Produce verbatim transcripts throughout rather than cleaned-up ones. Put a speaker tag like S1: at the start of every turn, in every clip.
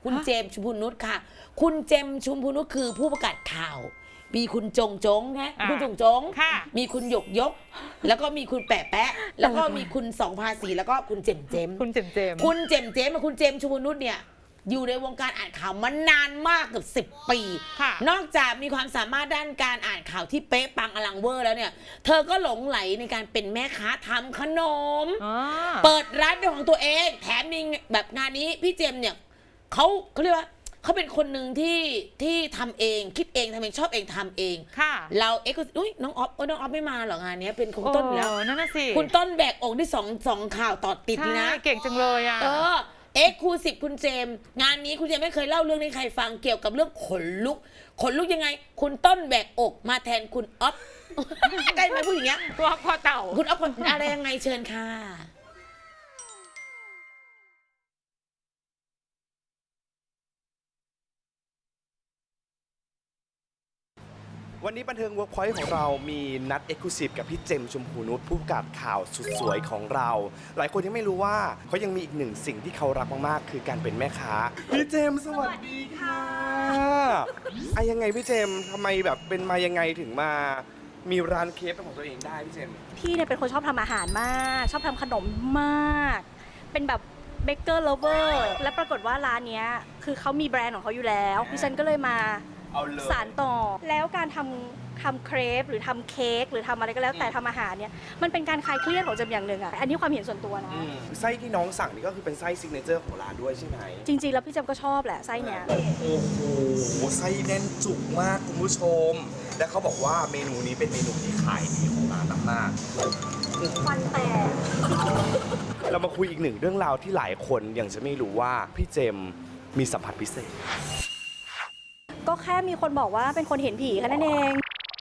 S1: คุณเจมส์ชุมพูนุชค่ะคุณเจมส์ชุมพูนุชคือผู้ประกาศข่าวมีคุณจงจงนะคุณจงจงมีคุณหยกยกแล้วก็มีคุณแปะแปะแล้วก็มีคุณสองภาษีแล้วก็คุณเจมเจม
S2: คุณเจมเจม
S1: คุณเจมเจมกับคุณเจมชุมพูนุชเนี่ยอยู่ในวงการอ่านข่าวมานานมากเกือบสิบปีนอกจากมีความสามารถด้านการอ่านข่าวที่เป๊ะปังอลังเวอร์แล้วเนี่ยเธอก็หลงไหลในการเป็นแม่ค้าทำขนมเปิดร้านเป็นของตัวเองแถมมีแบบงานนี้พี่เจมเนี่ยเขาเขาเรียกว่าเขาเป็นคนหนึ่งที่ที่ทำเองคิดเองทำเองชอบเองทำเองเราเอ็กซ์อุ้ยน้องออฟน้องออฟไม่มาหรองานนี้เป็นคุณต้นแล้ว
S2: นั่นน่ะสิ
S1: คุณต้นแบกอกที่สองสองข่าวต่อติดนะ
S2: เก่งจังเลยอ่ะ
S1: เออเอ็กซ์คลูซีฟคุณเจมงานนี้คุณเจมไม่เคยเล่าเรื่องให้ใครฟังเกี่ยวกับเรื่องขนลุกขนลุกยังไงคุณต้นแบกอกมาแทนคุณออฟได้ไหมพูดอย่างเงี้ย
S2: ตัวคอเต่า
S1: คุณออฟอะไรยังไงเชิญค่ะ
S3: วันนี้บันเทิงเวิร์กพอยต์ของเรามีนัดเอ็กซ์คลูซีฟกับพี่เจมชมพูนุชผู้ประกาศข่าวสุดสวยของเรา หลายคนยังไม่รู้ว่าเขายังมีอีกหนึ่งสิ่งที่เขารักมากๆคือการเป็นแม่ค้าพี่เจมสวัสดีค่ะไอ้ยังไงพี่เจมทำไมแบบเป็นมายังไงถึงมามีร้านเคฟเป็นของตัวเองได้พี่เจม
S4: พี่เนี่ยเป็นคนชอบทำอาหารมากชอบทำขนมมากเป็นแบบเบเกอร์เลเวอร์และปรากฏว่าร้านนี้คือเขามีแบรนด์ของเขาอยู่แล้วดิฉันก็เลยมาสานต่อแล้วการทำทำเครปหรือทำเค้กหรือทำอะไรก็แล้วแต่ทำอาหารเนี่ยมันเป็นการคลายเครียดของเจมอย่างหนึ่งอ่ะอันนี้ความเห็นส่วนตัวนะ
S3: ไส้ที่น้องสั่งนี่ก็คือเป็นไส้ซิกเนเจอร์ของร้านด้วยใช่ไหม
S4: จริงๆแล้วพี่เจมก็ชอบแหละไส้เนี้ย
S3: โอ้โหไส้แน่นจุกมากคุณผู้ชมและเขาบอกว่าเมนูนี้เป็นเมนูที่ขายดีของร้านมาก
S4: ฟันแตก
S3: เรามาคุยอีกหนึ่งเรื่องราวที่หลายคนยังจะไม่รู้ว่าพี่เจมมีสัมผัสพิเศษ
S4: ก็แค่มีคนบอกว่าเป็นคนเห็นผีแค่นั้นเอง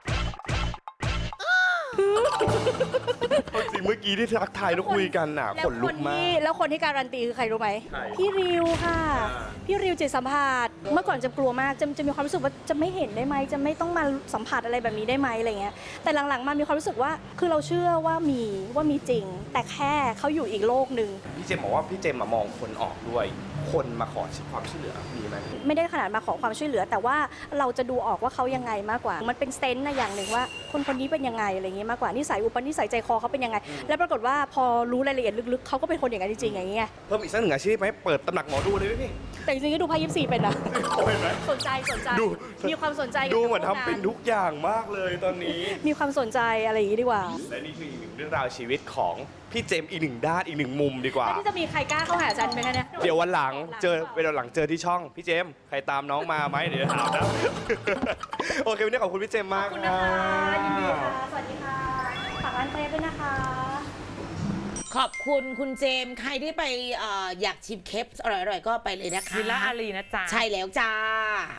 S3: จริงเมื่อกี้ที่ทักทายแล้วคุยกันน่ะขนลุกมาก
S4: แล้วคนที่การันตีคือใครรู้ไหมพี่ริวค่ะพี่ริวจิตสัมผัสเมื่อก่อนจะกลัวมากจะจะมีความรู้สึกว่าจะไม่เห็นได้ไหมจะไม่ต้องมาสัมผัสอะไรแบบนี้ได้ไหมอะไรเงี้ยแต่หลังๆมามีความรู้สึกว่าคือเราเชื่อว่ามีว่ามีจริงแต่แค่เขาอยู่อีกโลกหนึ่ง
S3: พี่เจมบอกว่าพี่เจมมองคนออกด้วยคนมาขอความช่วยเหลือมีไหม
S4: ไม่ได้ขนาดมาขอความช่วยเหลือแต่ว่าเราจะดูออกว่าเขายังไงมากกว่ามันเป็นเซนส์นะอย่างหนึ่งว่าคนคนนี้เป็นยังไงอะไรเงี้ยมากกว่านิสัยอุปนิสัยใจคอเขาเป็นยังไงแล้วปรากฏว่าพอรู้รายละเอียดลึกๆเขาก็เป็นคนอย่างนั้นจริงๆอย่างเงี้ย
S3: เพิ่มอีกสักหนึ่งอาชีพไหมเปิดตำหนักหมอดูเลยไหมพี่
S4: แต่จริงๆก็ดูไพ่ยิปซีเป็นนะสนใจสนใจมีความสนใจ
S3: ดูเหมือนทำเป็นทุกอย่างมากเลยตอนนี้
S4: มีความสนใจอะไรอย่างนี้ดีกว่า
S3: และนี่คืออีกหนึ่งเรื่องราวชีวิตของพี่เจมอีกหนึ่งด้านอีกหนึ่งมุมดีกว่า
S4: ที่จะมีใครกล้าเข้าหาฉันไหมคะเนี่ย
S3: เดี๋ยววันหลังเจอเวลาหลังเจอที่ช่องพี่เจมใครตามน้องมาไหมเดี๋ยวถามนะโอเควันนี้ขอบคุณพี่เจมมาก
S4: ขอบคุณนะคะยินดีค่ะสวัสดีค่ะฝากร้านเครปด้วยนะคะ
S1: ขอบคุณคุณเจมใครที่ไป อ, อยากชิมเคปอร่อยๆก็ไปเลยนะคะ
S2: วิลล่าอารีนะจ๊ะ
S1: ใช่แล้วจ้า